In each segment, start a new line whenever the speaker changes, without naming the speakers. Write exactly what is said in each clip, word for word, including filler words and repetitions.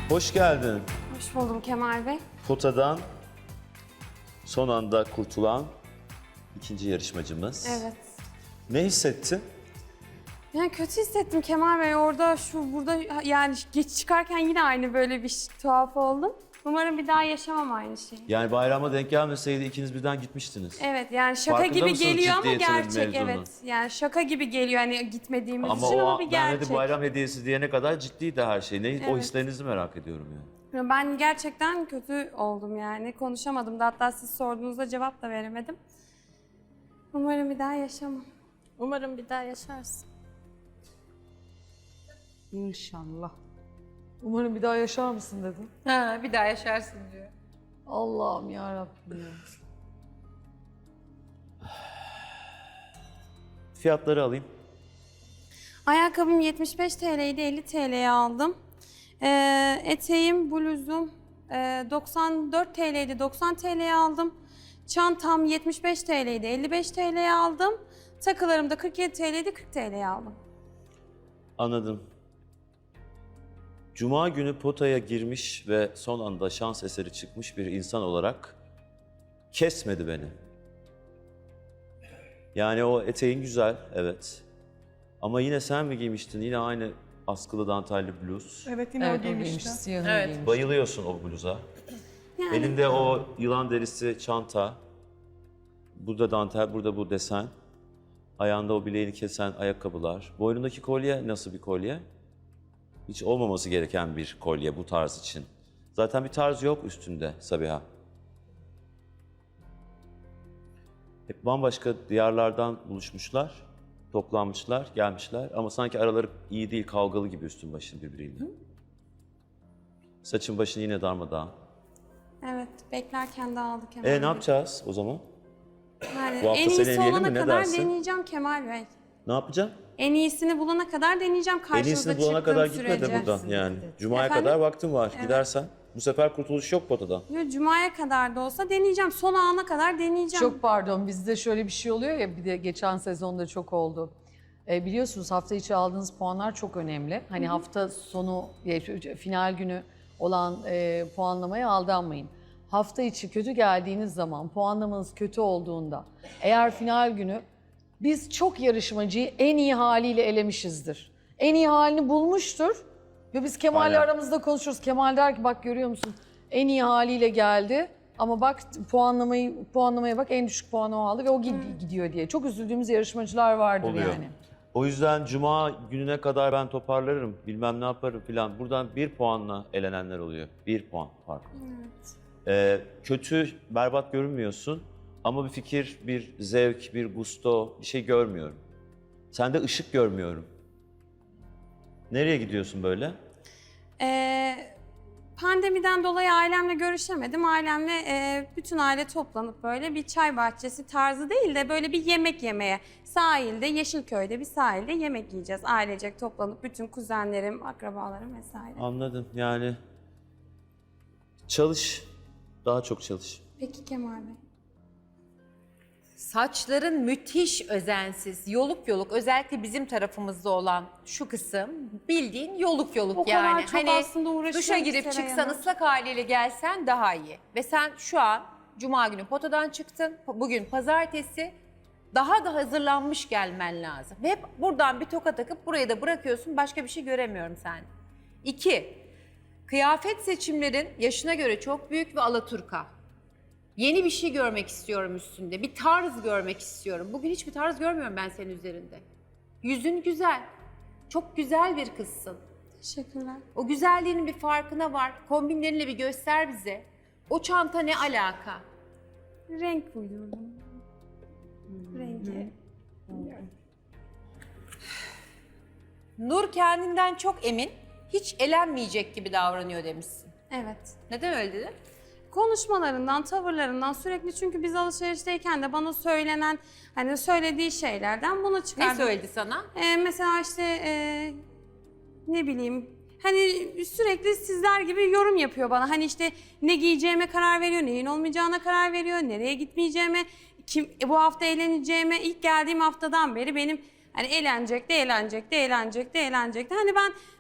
Hoş geldin.
Hoş buldum Kemal Bey.
Potadan son anda kurtulan ikinci yarışmacımız.
Evet.
Ne hissettin?
Yani kötü hissettim Kemal Bey. Orada, şu, burada yani geç çıkarken yine aynı böyle bir şey, tuhaf oldum. Umarım bir daha yaşamam aynı şeyi.
Yani bayrama denk gelmeseydi ikiniz birden gitmiştiniz.
Evet, yani şaka
Farkında
gibi
mısınız
geliyor ama
ciddiyetinin
gerçek,
mevzunun?
evet. Yani şaka gibi geliyor hani gitmediğimiz
Ama
için
o
ama bir
ben
gerçek.
hadi bayram hediyesi diyene kadar ciddiydi her şey. Ne, O
Evet.
hislerinizi merak ediyorum yani.
Ben gerçekten kötü oldum yani. Konuşamadım da, hatta siz sorduğunuzda cevap da veremedim. Umarım bir daha yaşamam.
Umarım bir daha yaşarsın.
İnşallah. Umarım bir daha yaşar mısın dedim.
Ha, bir daha yaşarsın diyor.
Allah'ım ya Rabbim.
Fiyatları alayım.
Ayakkabım yetmiş beş TL'ydi, elli TL'ye aldım. Ee, eteğim, bluzum e, doksan dört TL'ydi, doksan TL'ye aldım. Çantam yetmiş beş TL'ydi, elli beş TL'ye aldım. Takılarım da kırk yedi TL'ydi, kırk TL'ye aldım.
Anladım. Cuma günü potaya girmiş ve son anda şans eseri çıkmış bir insan olarak kesmedi beni. Yani o eteğin güzel, evet. Ama yine sen mi giymiştin? Yine aynı askılı dantelli bluz.
Evet yine
Evet
o
o giymiş,
giymişti.
siyahını
Evet.
giymiş.
Bayılıyorsun o bluza.
Yani
Elinde o yılan derisi çanta. Burada dantel, burada bu desen. Ayağında o bileğini kesen ayakkabılar. Boynundaki kolye nasıl bir kolye? Hiç olmaması gereken bir kolye bu tarz için. Zaten bir tarz yok üstünde Sabiha. Hep bambaşka diyarlardan buluşmuşlar, toplanmışlar, gelmişler ama sanki araları iyi değil, kavgalı gibi üstün başın birbiriyle. Saçın başın yine darmadağın.
evet, beklerken de aldı Kemal
E
Bey.
ne yapacağız o zaman?
Yani
Bu hafta
en
seni
iyisi
eleyelim
olana
mi? Ne
kadar
dersin?
deneyeceğim Kemal Bey.
Ne yapacağım?
En iyisini bulana kadar deneyeceğim
En
karşınıza
iyisini bulana
çıktığım
kadar gitme de
sürece.
buradan yani. Cuma'ya
Efendim?
kadar vaktin var.
Evet.
Gidersen bu sefer kurtuluş yok potadan.
Yo, Cuma'ya kadar da olsa deneyeceğim. Son ana kadar deneyeceğim.
Çok pardon, bizde şöyle bir şey oluyor ya, bir de geçen sezonda çok oldu. E, biliyorsunuz hafta içi aldığınız puanlar çok önemli. Hani hafta sonu, e, final günü olan e, puanlamaya aldanmayın. Hafta içi kötü geldiğiniz zaman, puanlamanız kötü olduğunda, eğer final günü biz çok yarışmacıyı en iyi haliyle elemişizdir. En iyi halini bulmuştur ve biz Kemal'le
Aynen.
aramızda konuşuruz. Kemal der ki bak görüyor musun en iyi haliyle geldi ama bak puanlamayı puanlamaya bak en düşük puanı o aldı ve o gid- gidiyor diye. Çok üzüldüğümüz yarışmacılar vardır
Oluyor.
yani.
O yüzden Cuma gününe kadar ben toparlarım, bilmem ne yaparım filan. Buradan bir puanla elenenler oluyor. Bir puan fark.
Evet.
Ee, kötü, berbat görünmüyorsun ama bir fikir, bir zevk, bir gusto, bir şey görmüyorum. Sende ışık görmüyorum. Nereye gidiyorsun böyle?
Ee, pandemiden dolayı ailemle görüşemedim. Ailemle e, bütün aile toplanıp böyle bir çay bahçesi tarzı değil de böyle bir yemek yemeye. Sahilde, Yeşilköy'de bir sahilde yemek yiyeceğiz. Ailecek toplanıp bütün kuzenlerim, akrabalarım vesaire.
Anladım yani. Çalış, daha çok çalış.
Peki Kemal Bey.
Saçların müthiş özensiz, yoluk yoluk, özellikle bizim tarafımızda olan şu kısım bildiğin yoluk yoluk
O kadar
yani.
çok aslında uğraşıyorum
duşa
ki
girip
Seray
çıksan
Hanım.
ıslak haliyle gelsen daha iyi. Ve sen şu an Cuma günü potadan çıktın, bugün pazartesi, daha da hazırlanmış gelmen lazım. Ve hep buradan bir toka takıp burayı da bırakıyorsun, başka bir şey göremiyorum sen. İki, kıyafet seçimlerin yaşına göre çok büyük ve alaturka. Yeni bir şey görmek istiyorum üstünde. Bir tarz görmek istiyorum. Bugün hiçbir tarz görmüyorum ben senin üzerinde. Yüzün güzel. Çok güzel bir kızsın.
Teşekkürler.
O güzelliğinin bir farkına var. Kombinlerinle bir göster bize. O çanta ne alaka?
Renk uydurdum. Rengi.
Nur kendinden çok emin, hiç elenmeyecek gibi davranıyor demişsin.
Evet.
Neden öyle dedin?
Konuşmalarından, tavırlarından sürekli, çünkü biz alışverişteyken de bana söylenen, hani söylediği şeylerden bunu
Ne
çıkardım.
söyledi sana?
Ee, mesela işte e, ne bileyim, hani sürekli sizler gibi yorum yapıyor bana. Hani işte ne giyeceğime karar veriyor, neyin olmayacağına karar veriyor, nereye gitmeyeceğime, kim e, bu hafta eğleneceğime. İlk geldiğim haftadan beri benim hani eğlenecek de eğlenecek de eğlenecek de eğlenecek de. Hani ben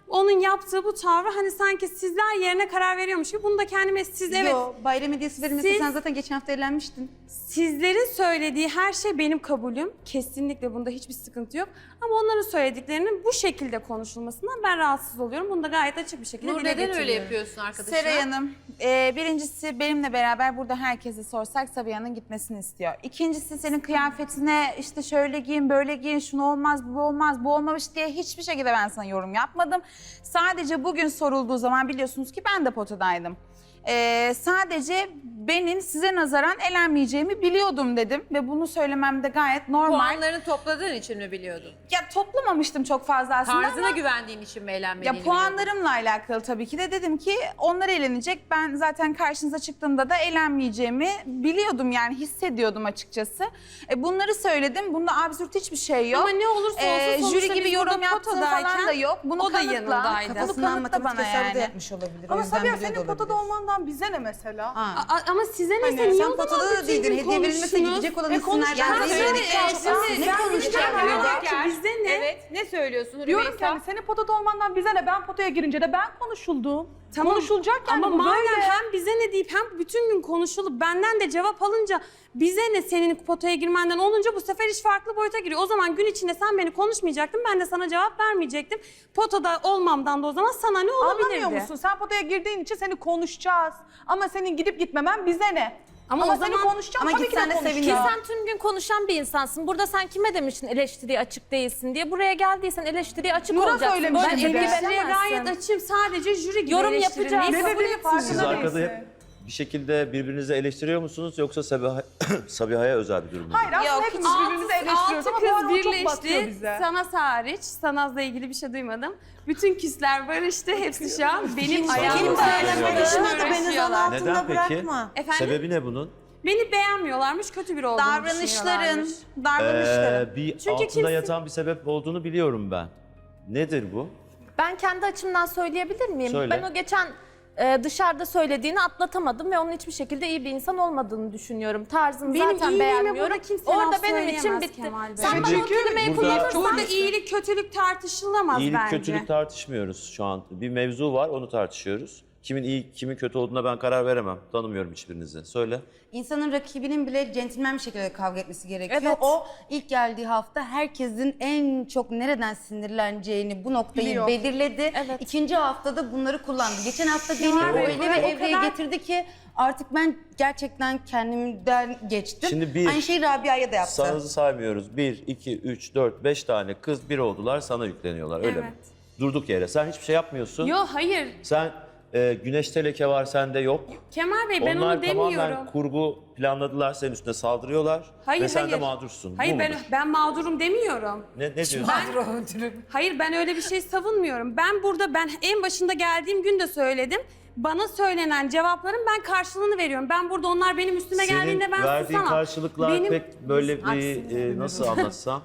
onun yaptığı bu tavrı hani sanki sizler yerine karar veriyormuş gibi. Bunu da kendime siz evet.
Yo, bayram hediyesi verilmese
Siz-
sen zaten geçen hafta evlenmiştin.
Sizlerin söylediği her şey benim kabulüm. Kesinlikle bunda hiçbir sıkıntı yok. Ama onların söylediklerinin bu şekilde konuşulmasından ben rahatsız oluyorum. Bunu da gayet açık bir şekilde
Nur
dile
neden öyle
getiriyorum.
yapıyorsun arkadaşına?
Seray Hanım, e, birincisi benimle beraber burada herkese sorsak Sabiha'nın gitmesini istiyor. İkincisi senin kıyafetine işte şöyle giyin, böyle giyin, şunu olmaz, bu olmaz, bu olmamış diye hiçbir şekilde ben sana yorum yapmadım. Sadece bugün sorulduğu zaman biliyorsunuz ki ben de potadaydım. Ee, sadece benim size nazaran elenmeyeceğimi biliyordum dedim ve bunu söylemem de gayet normal.
Puanlarını topladığın için mi biliyordun?
Ya toplamamıştım çok fazla aslında
Tarzına
ama
güvendiğin için mi eğlenmediğini
ya puanlarımla alakalı tabii ki de dedim ki onlar eğlenecek. Ben zaten karşınıza çıktığımda da eğlenmeyeceğimi biliyordum yani hissediyordum açıkçası. E, bunları söyledim. Bunda absürt hiçbir şey yok.
Ama ne olursa olsun
Ee,
sonuçta
jüri gibi
biz
yorum
burada
yaptığım
potadayken
falan da yok. Bunu
o da
kanıtla.
yanındaydı.
Bunu
Kafasından
kanıtla bana
matematik hesabı da
yani.
yapmış olabilir.
Ama
o yüzden
Sabiha
biliyor da
senin potada
olabilir.
olmandan bize ne mesela?
Ha.
A- ama size ne?
Hani
Sen niye
Sen
o zaman
potada da
bütün
değildin.
gün
Hediye verilmese
konuştunuz?
gidecek olan
E, konuş-
isimlerden
Ben
biri.
söyle-
Evet.
e,
şimdi-
Ne
ben
konuşacak?
bir
burada?
diyorum ki bize ne?
Evet. Ne söylüyorsun
Diyorum
Rümeysa?
ki hani senin potada olmandan bize ne? Ben potaya girince de ben konuşuldum.
Tamam.
Konuşulacak yani
Ama
bu
madem
böyle.
hem bize ne deyip hem bütün gün konuşulup benden de cevap alınca bize ne senin potaya girmenden olunca bu sefer iş farklı boyuta giriyor. O zaman gün içinde sen beni konuşmayacaktın, ben de sana cevap vermeyecektim. Potada olmamdan da o zaman sana ne olabilirdi?
Anlamıyor musun? Sen potaya girdiğin için seni konuşacağız. Ama senin gidip gitmemen bize ne?
Ama
Ama,
o
seni
zaman-
konuşacağım
ama
tabii ki
gitsen
de
de
konuşacağım.
Ki
sevinirim.
sen tüm gün konuşan bir insansın. Burada sen kime demiştin eleştiriye açık değilsin diye. Buraya geldiysen eleştiriye açık
Nur'a
olacaksın.
söylemiştim
Böyle
bir de.
tepki
Eleştiriye
veremezsin.
gayet açayım, sadece jüri gibi
Yorum
eleştirilmeyi
yapacağız.
Ne
kabul
dediğini
etmiyorum.
Siz
farkında
arkada
değilsin.
hep bir şekilde birbirinizi eleştiriyor musunuz yoksa Sabiha, Sabiha'ya özel bir durum mu?
Hayır aslında
Yok,
hepimiz
hiç-
birbirimizi eleştiriyoruz
Altı
ama
kız
bu arada o çok batıyor
birleşti.
bize.
Sanaz hariç. Sanaz'la ilgili bir şey duymadım. Bütün küsler barıştı. Hepsi şu an benim
Kim
ayağımda
barışmadı?
Barışmadı, beni zan
uğraşıyorlar.
Neden
altında
peki?
bırakma.
Efendim?
Sebebi ne bunun?
Beni beğenmiyorlarmış, kötü biri olduğumu
Davranışların,
düşünüyorlarmış.
davranışların.
Ee, bir
Çünkü
altında
kimse-
yatan bir sebep olduğunu biliyorum ben. Nedir bu?
Ben kendi açımdan söyleyebilir miyim?
Söyle.
Ben o geçen e, dışarıda söylediğini atlatamadım ve onun hiçbir şekilde iyi bir insan olmadığını düşünüyorum. Tarzını
Benim
zaten
iyiliğime
beğenmiyorum.
burada kimse
Orada
laf
benim için
söyleyemez
bitti.
Kemal Bey.
Sen bana o
Çünkü
kelimeyi
burada-
kullanırsan
Burada iyilik, kötülük tartışılamaz
İyilik
bence.
kötülük tartışmıyoruz şu an. Bir mevzu var, onu tartışıyoruz. Kimin iyi, kimin kötü olduğuna ben karar veremem. Tanımıyorum hiçbirinizi. Söyle.
İnsanın rakibinin bile centilmen bir şekilde kavga etmesi gerekiyor.
Evet.
O ilk geldiği hafta herkesin en çok nereden sinirleneceğini bu noktayı
Biliyor.
belirledi.
Evet.
İkinci haftada bunları kullandı. Geçen hafta beni
Bey,
öyle bir
o
evreye
kadar-
getirdi ki artık ben gerçekten kendimden geçtim.
Şimdi bir-
Aynı şeyi Rabia'ya da yaptı.
Sanızı saymıyoruz. Bir, iki, üç, dört, beş tane kız bir oldular, sana yükleniyorlar. Öyle mi?
Evet.
Durduk yere. Sen hiçbir şey yapmıyorsun.
Yo hayır.
Sen e, güneşte leke var, sende yok.
Kemal Bey ben
Onlar
onu demiyorum.
tamamen kurgu planladılar, senin üstüne saldırıyorlar.
Hayır,
ve sen de
hayır.
mağdursun.
Hayır
Bu
ben
mudur?
ben mağdurum demiyorum.
Ne, ne diyorsun?
Hayır ben öyle bir şey savunmuyorum. Ben burada ben en başında geldiğim gün de söyledim. Bana söylenen cevapların ben karşılığını veriyorum. Ben burada onlar benim üstüme
Senin
geldiğinde ben
verdiğin
susamam.
karşılıklar
Benim-
pek böyle bir
Aksine.
e, nasıl anlatsam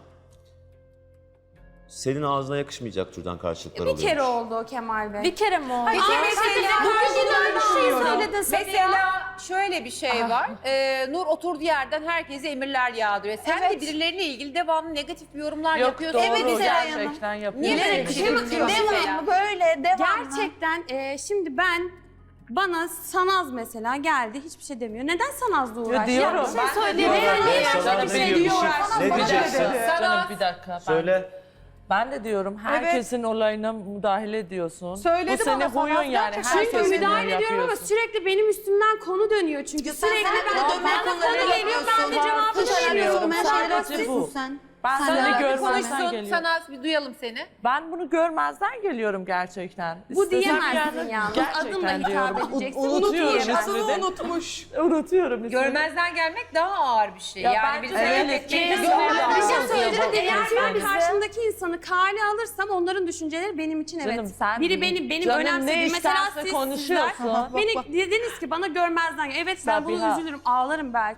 senin ağzına yakışmayacak türden karşılıklar
Bir
oluyor.
kere oldu o Kemal Bey.
bir kere mi oldu?
Hayır, mesela
Bugün aynı şeyi söyledin Sabiha.
Mesela şöyle bir şey var. Ee, Nur oturduğu yerden herkese emirler yağdırıyor. Sen de birilerine ilgili devamlı negatif bir yorumlar yapıyorsun.
Evet Seray Hanım.
Gerçekten yapıyor.
Niye böyle bir şey yapıyorsun?
Devamlı böyle devamlı.
Gerçekten e, şimdi ben bana Sanaz mesela geldi hiçbir şey demiyor. Neden Sanaz'la uğraştı?
diyorum.
Ya bir şey
Ben-
söyleyeyim.
Ben
Neden
sana
başka
ne
bir şey
diyor, bir
diyor?
şey- ne diyeceksin?
Canım bir dakika. Ben,
Söyle.
ben de diyorum herkesin olayına müdahale ediyorsun.
Söyledi
Bu senin
bana sana,
huyun yani.
gerçekten
Çünkü
Herkesin
müdahale
huyunu
ediyorum ama
yapıyorsun.
sürekli benim üstümden konu dönüyor çünkü.
Sen
Sürekli
sen
ben,
de
bana
dönme
konu
konuları
geliyor ben de cevabını
Hiç
veriyorum.
olmayan şeyler
Sadece
yapıyorsun
bu.
sen.
Ben
Sen
seni
de
Sana bir
görmezden
konuşsun.
geliyorum.
Sana bir duyalım seni.
Ben bunu görmezden geliyorum gerçekten.
Bu
İstesem
diyemezsin
yani
yalnız.
gerçekten
Adımla hitap
diyorum.
edeceksin.
U- unutuyorum
Unutuyorum.
ismini.
unutmuş.
Unutuyorum ismini.
Görmezden gelmek daha ağır bir şey.
Ya
yani
bence
bir sebep
evet,
etmeyi
kesin
de-
öyle.
Bir şey
Anladım.
söyleyeceğim. Eğer ben
Bize-
karşımdaki insanı kale alırsam onların düşünceleri benim için evet.
Canım sen-
Biri benim benim
Canım ne
önemsediğim mesela
isterse
siz
konuşuyorsun.
sizler beni dediniz ki bana görmezden gel. Evet ben bunu
Sabiha.
üzülürüm ağlarım belki.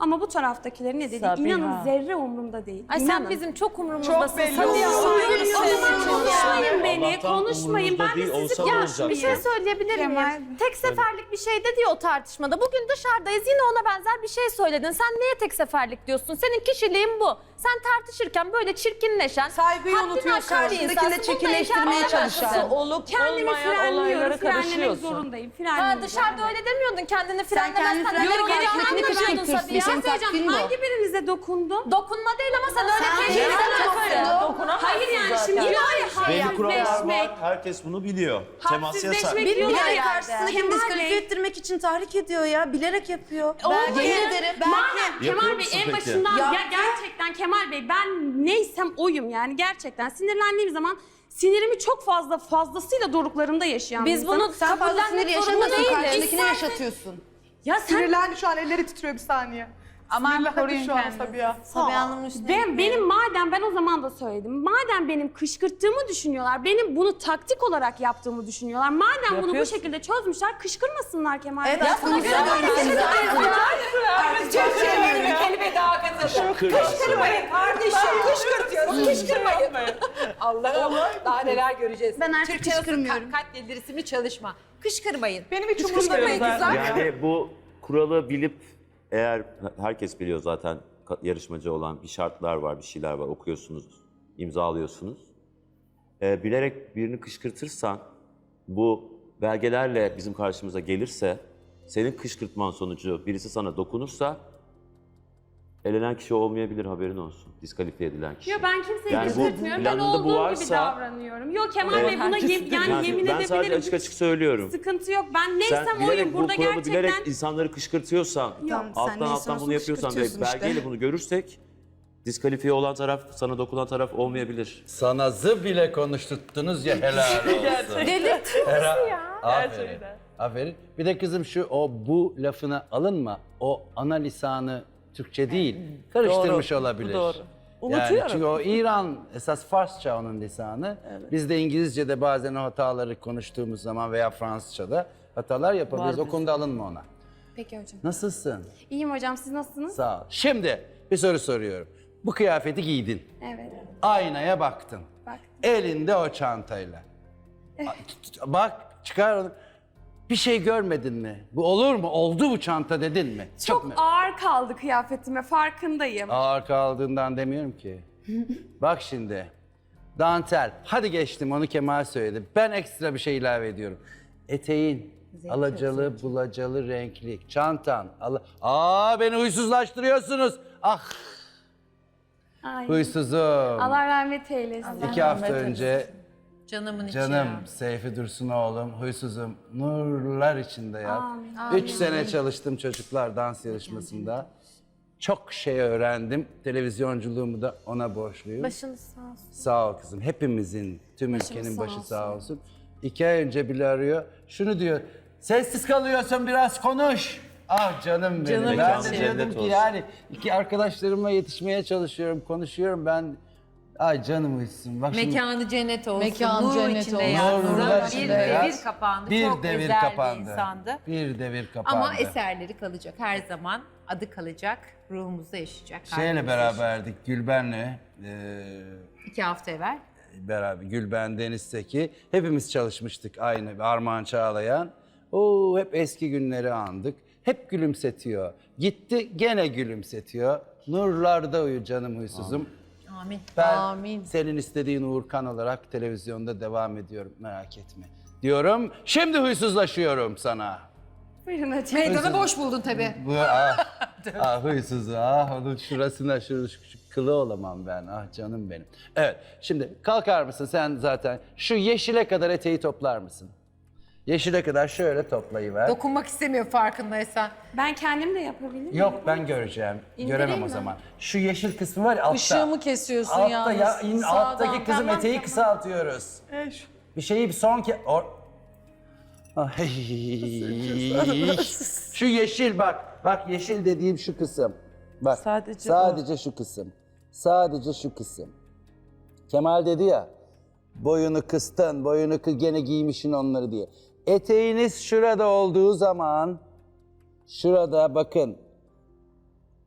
Ama bu taraftakilerin ne dediği
Sabiha.
inanın zerre umurumda değil.
Ay sen
İnanın.
bizim çok umurumuzdasın.
belli
Sabiha.
oluyor.
O zaman konuşmayın beni,
Allah'tan
konuşmayın.
umurunuzda
Ben de
değil,
sizi
olsa ne olacak?
konuşmayayım.
Bir şey söyleyebilir
Kemal.
miyim? Tek seferlik bir şey dedi ya o tartışmada. Bugün dışarıdayız yine ona benzer bir şey söyledin. Sen neye tek seferlik diyorsun? Senin kişiliğin bu. Sen tartışırken böyle çirkinleşen,
Saygıyı
haddini
unutuyorsun.
aşan bir
Karşındakini
insansın. Bunda
çirkinleştirmeye
inkar edemezsin.
çalışan.
Olup
Kendimi
olmayan
frenliyorum,
olaylara
frenlemek
karışıyorsun.
zorundayım.
Ha,
Frenliyorum.
dışarıda öyle demiyordun. Kendini
kendini
frenlemezsen neler
frenliyorum,
olacağını
karşındakini
anlamıyordun
kışkırtıyorsun.
Sabiha.
Senin
Söyleyeceğim,
taktiğin bu.
hangi birinize dokundum?
Dokunma değil ama sen öyle
Sen
kendini
kendine
frenlemezsin.
Hayır yani şimdi yine var ya
Belli kurallar
hadsizleşmek.
var. Herkes bunu biliyor. Temas yasak.
Hadsizleşmek
Bir
diyorlar
bilerek
ya.
karşısındakini
Kemal
diskalifiye
Bey,
ettirmek için tahrik ediyor ya. Bilerek yapıyor.
Oldu.
Yemin ederim.
Madem
Yapıyor
Kemal Bey
musun
en
peki?
başından
Ya-
ya gerçekten Kemal Bey ben neysem oyum yani gerçekten sinirlendiğim zaman sinirimi çok fazla fazlasıyla doruklarımda yaşayan bir
Biz
insanım.
bunu
Sen fazla sinir
kabullenmek zorunda
yaşamıyorsun.
değiliz.
Karşındakine yaşatıyorsun.
Ya sen
Sinirlendi şu an, elleri titriyor bir saniye.
Aman
Sinirlendi
koruyun
şu an
kendinizi.
Sabiha.
Sabiha Hanım'ın üstüne
ben,
gitmeyelim.
benim madem ben o zaman da söyledim. Madem benim kışkırttığımı düşünüyorlar, benim bunu taktik olarak yaptığımı düşünüyorlar. Madem bunu bu
Yapıyorsun.
şekilde çözmüşler, kışkırmasınlar Kemal Bey.
Evet aslında güzel öğretmeniz
Kelime daha kazandı. Kışkırmayın kardeşim. Kışkırtıyoruz. Kışkırmayın. Allah'ım daha neler göreceğiz.
Ben artık
Türkçe nasıl
kışkırmıyorum.
ka- Katledilirisi isimli çalışma. Kışkırmayın.
Benim hiç umurumda değil.
güzel.
Yani bu kuralı bilip eğer herkes biliyor zaten ka- yarışmacı olan bir şartlar var, bir şeyler var okuyorsunuz, imzalıyorsunuz. Ee, bilerek birini kışkırtırsan bu belgelerle bizim karşımıza gelirse senin kışkırtman sonucu birisi sana dokunursa elenen kişi olmayabilir haberin olsun. Diskalifiye edilen kişi.
Yo ben kimseyi
Yani bu
kışkırtmıyorum. Ben
planında bu
olduğum gibi
varsa-
davranıyorum. Yok Kemal
Evet,
Bey buna
herkes
yem- yani,
Yani
yemin
ben sadece
edebilirim.
açık açık söylüyorum.
Sıkıntı yok. Ben
Sen
neysem oyum
bilerek bu
burada
kuralı
gerçekten.
bilerek insanları kışkırtıyorsan,
Tamam, sen
alttan
neyse
alttan
olsun
bunu yapıyorsan ve
kışkırtıyorsun işte.
belgeyle bunu görürsek diskalifiye olan taraf, sana dokunan taraf olmayabilir.
Sana zı bile konuşturttunuz ya helal olsun.
Delirtiyorsun ya.
Aferin.
Gerçekten.
Aferin. Bir de kızım şu o bu lafına alınma. O ana lisanı Türkçe değil. Karıştırmış
Doğru,
olabilir.
doğru.
Yani
Unutuyorum.
çünkü o İran esas Farsça onun lisanı. Biz de İngilizce'de bazen o hataları konuştuğumuz zaman veya Fransızca'da hatalar yapabiliriz.
Var
O konuda alınma ona.
Peki hocam.
Nasılsın?
İyiyim hocam siz nasılsınız?
Sağ ol. Şimdi bir soru soruyorum. Bu kıyafeti giydin.
Evet.
Aynaya baktın.
Baktım.
Elinde o çantayla. A- t- t- Bak çıkar onu. Bir şey görmedin mi? Bu olur mu? Oldu bu çanta dedin mi?
Çok
mu?
ağır kaldı kıyafetime farkındayım.
Ağır kaldığından demiyorum ki. Bak şimdi. Dantel. Hadi geçtim onu Kemal söyledi. Ben ekstra bir şey ilave ediyorum. Eteğin alacalı, bulacalı, renkli. Çantan. Ala... Aa beni huysuzlaştırıyorsunuz. Ah
Ay.
huysuzum.
Allah rahmet eylesin.
İki hafta önce
Canımın içi
canım
ya.
Seyfi Dursun oğlum huysuzum nurlar içinde yat.
Amin.
Üç sene çalıştım çocuklar dans yarışmasında. Çok şey öğrendim. Televizyonculuğumu da ona borçluyum.
Başınız sağ olsun.
Sağ ol kızım. Hepimizin, tüm ülkenin
sağ
başı
olsun.
sağ olsun. İki ay önce bile arıyor. Şunu diyor. Sessiz kalıyorsun biraz konuş. Ah canım benim.
Canım
ben
mekanı
de
cennet
diyordum ki
olsun.
yani iki arkadaşlarımla yetişmeye çalışıyorum, konuşuyorum ben. Ay canım uysun. Bak şimdi
Mekanı cennet olsun.
Mekanı
nur
cennet
içinde
olsun.
yatsın.
Nurlar
Bir
içinde yat.
devir kapandı.
Bir
Çok
devir
özel
kapandı.
bir insandı.
Bir devir kapandı.
Ama eserleri kalacak her zaman. Adı kalacak. Ruhumuzda yaşayacak.
Şeyle
kalbimizde
beraberdik Gülben'le. eee
yaşayacak. İki hafta evvel.
beraber Gülben Deniz Seki hepimiz çalışmıştık aynı Armağan Çağlayan. Oo hep eski günleri andık. Hep gülümsetiyor. Gitti gene gülümsetiyor. Nurlarda uyu canım huysuzum.
Amin.
Ben
Amin.
senin istediğin Uğurkan olarak televizyonda devam ediyorum merak etme. Diyorum. Şimdi huysuzlaşıyorum sana.
Buyurun hocam.
Meydanı boş buldun tabii.
Bu ah, ah huysuz ah onun şurasına şu, şu, şu kılı olamam ben ah canım benim. Evet şimdi kalkar mısın sen zaten şu yeşile kadar eteği toplar mısın? Yeşile kadar şöyle toplayıver.
Dokunmak istemiyor farkındaysan.
Ben kendim de yapabilirim.
Yok ben göreceğim.
İndireyim
Göremem o
mi?
zaman. Şu yeşil kısmı var ya altta.
Işığımı kesiyorsun
altta
yalnız.
ya in,
Sağdan.
alttaki kızım
Tamam,
eteği
tamam.
kısaltıyoruz.
E, şu-
Bir şeyi bir son ke... Or... Ay. Şu yeşil bak. Bak yeşil dediğim şu kısım. Bak
Sadece
sadece şu kısım. Sadece şu kısım. Kemal dedi ya boyunu kıstın, boyunu kı gene giymişsin onları diye. Eteğiniz şurada olduğu zaman şurada bakın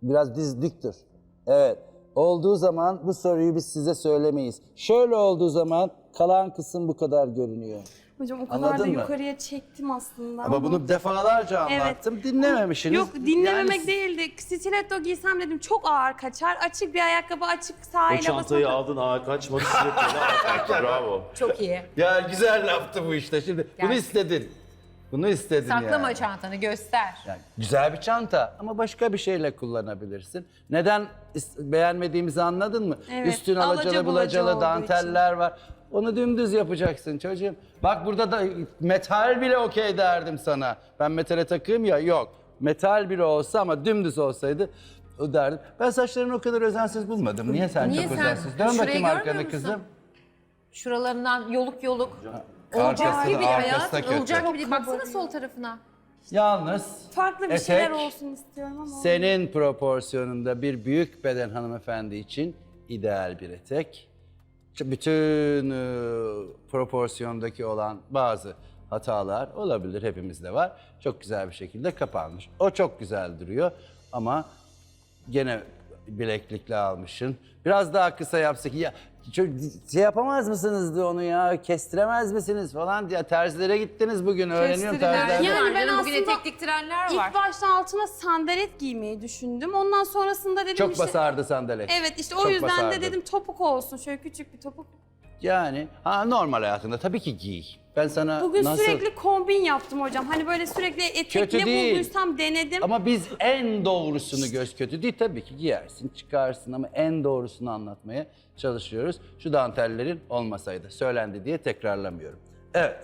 Biraz diz dik dur. Evet. Olduğu zaman bu soruyu biz size söylemeyiz. Şöyle olduğu zaman kalan kısım bu kadar görünüyor.
Hocam o kadar
Anladın
da
mı?
yukarıya çektim aslında.
Ama bunu defalarca anlattım. Dinlememişsiniz.
Yok dinlememek
Yani-
değildi. Stiletto giysem dedim çok ağır kaçar. Açık bir ayakkabı, açık
O
sahile
çantayı
basmak.
aldın, ağa kaçmadı, stilettoyla ağa kaçtı. Bravo.
Çok iyi.
Ya güzel laftı bu işte. Şimdi bunu
Gerçekten.
istedin. Bunu istedin
Saklama
yani.
çantanı göster.
Yani güzel bir çanta ama başka bir şeyle kullanabilirsin. Neden is- beğenmediğimizi anladın mı?
Evet,
Üstün
alaca
alacalı
bulaca
bulacalı
olduğu
danteller var. Onu dümdüz yapacaksın çocuğum. Bak burada da metal bile okey derdim sana. Ben metale takığım ya, yok. Metal bile olsa ama dümdüz olsaydı o derdim. Ben saçlarını o kadar özensiz bulmadım. Niye sen
Niye
çok
sen?
özensiz? Dön
Şurayı
bakayım
görmüyor
arkanı
musun?
kızım.
Şuralarından yoluk yoluk. Olacak
Arkası
gibi
da, arkası
hayat.
da kötü.
Olacak gibi değil. Baksana sol tarafına.
Yalnız
Farklı bir
etek,
şeyler olsun istiyorum ama.
senin proporsiyonunda bir büyük beden hanımefendi için ideal bir etek. Çünkü bütün e, proporsiyondaki olan bazı hatalar olabilir, hepimizde var. Çok güzel bir şekilde kapanmış. O çok güzel duruyor ama gene bileklikle almışsın. Biraz daha kısa yapsak ya çok şey yapamaz mısınız onu ya, kestiremez misiniz falan diye terzilere gittiniz bugün, öğreniyorum
Kestirirler.
terzilerde.
Yani ben
Canım, bugün
aslında
etek diktirenler var.
İlk başta altına sandalet giymeyi düşündüm. Ondan sonrasında dedim
Çok
işte...
basardı sandalet.
Evet işte o
Çok
yüzden
basardı.
de dedim topuk olsun. Şöyle küçük bir topuk.
Yani ha, normal hayatında tabii ki giy. Ben sana
Bugün
nasıl...
sürekli kombin yaptım hocam. Hani böyle sürekli etek
Kötü
ne
değil.
bulduysam denedim.
Ama biz en doğrusunu göz kötü değil, tabii ki giyersin, çıkarsın ama en doğrusunu anlatmaya çalışıyoruz. Şu dantellerin olmasaydı, söylendi diye tekrarlamıyorum. Evet.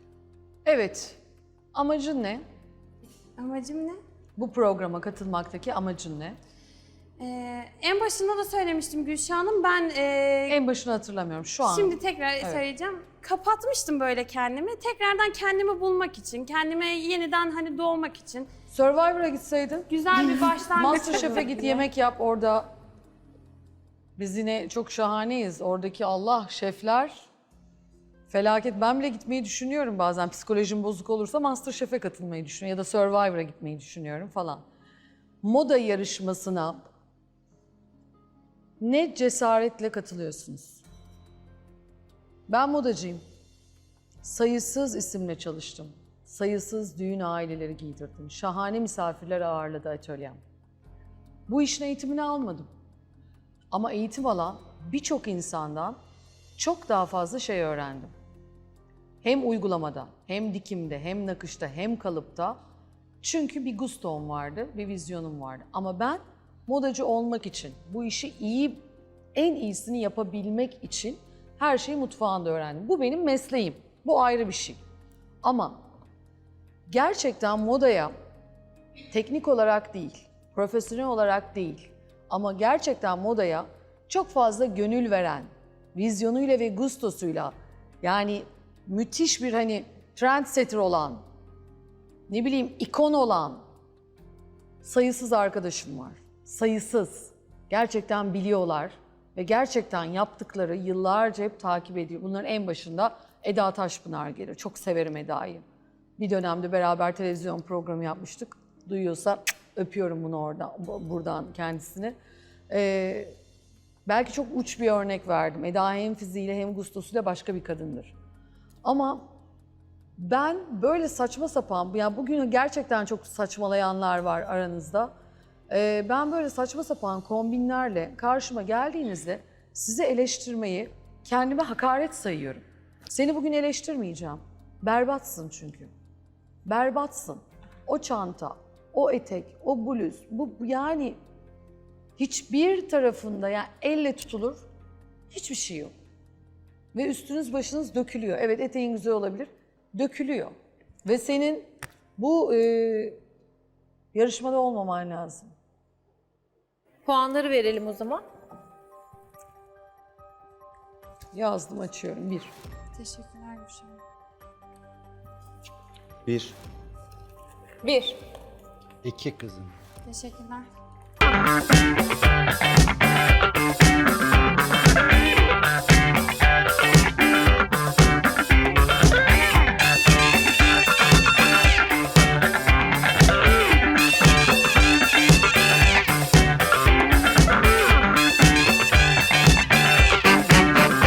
Evet. Amacın ne?
Amacım ne?
Bu programa katılmaktaki amacın ne?
Ee, en başında da söylemiştim Gülşah Hanım. Ben e,
En başını hatırlamıyorum şu an.
şimdi tekrar söyleyeceğim. Kapatmıştım böyle kendimi. Tekrardan kendimi bulmak için, kendime yeniden hani doğmak için.
Survivor'a gitseydin.
Güzel bir başlangıç
Masterchef'e
olur
git,
diye.
yemek yap orada. Biz yine çok şahaneyiz. Oradaki Allah, şefler felaket. Ben bile gitmeyi düşünüyorum bazen. Psikolojim bozuk olursa Masterchef'e katılmayı düşünüyorum. Ya da Survivor'a gitmeyi düşünüyorum falan. Moda yarışmasına ne cesaretle katılıyorsunuz? Ben modacıyım. Sayısız isimle çalıştım. Sayısız düğün aileleri giydirdim. Şahane misafirler ağırladı atölyem. Bu işin eğitimini almadım. Ama eğitim alan birçok insandan çok daha fazla şey öğrendim. Hem uygulamada, hem dikimde, hem nakışta, hem kalıpta. Çünkü bir gustom vardı, bir vizyonum vardı. Ama ben modacı olmak için, bu işi iyi, en iyisini yapabilmek için her şeyi mutfağında öğrendim. Bu benim mesleğim. Bu ayrı bir şey. Ama gerçekten modaya teknik olarak değil, profesyonel olarak değil ama gerçekten modaya çok fazla gönül veren, vizyonuyla ve gustosuyla, yani müthiş bir hani trendsetter olan, ne bileyim ikon olan sayısız arkadaşım var. Sayısız. Gerçekten biliyorlar ve gerçekten yaptıkları yıllarca hep takip ediyor. Bunların en başında Eda Taşpınar gelir. Çok severim Eda'yı. Bir dönemde beraber televizyon programı yapmıştık. Duyuyorsa öpüyorum bunu oradan, buradan kendisini. Ee, belki çok uç bir örnek verdim. Eda hem fiziğiyle hem gustosuyla başka bir kadındır. Ama ben böyle saçma sapan, yani bugün gerçekten çok saçmalayanlar var aranızda. Ee, ben böyle saçma sapan kombinlerle karşıma geldiğinizde sizi eleştirmeyi kendime hakaret sayıyorum. Seni bugün eleştirmeyeceğim. Berbatsın çünkü. Berbatsın. O çanta, o etek, o bluz, bu yani hiçbir tarafında yani elle tutulur hiçbir şey yok. Ve üstünüz başınız dökülüyor. Evet eteğin güzel olabilir, dökülüyor. Ve senin bu e, yarışmada olmaman lazım.
Puanları verelim o zaman.
Yazdım, açıyorum. Bir.
Teşekkürler Gülşah Hanım.
Bir.
Bir.
İki kızım.
Teşekkürler.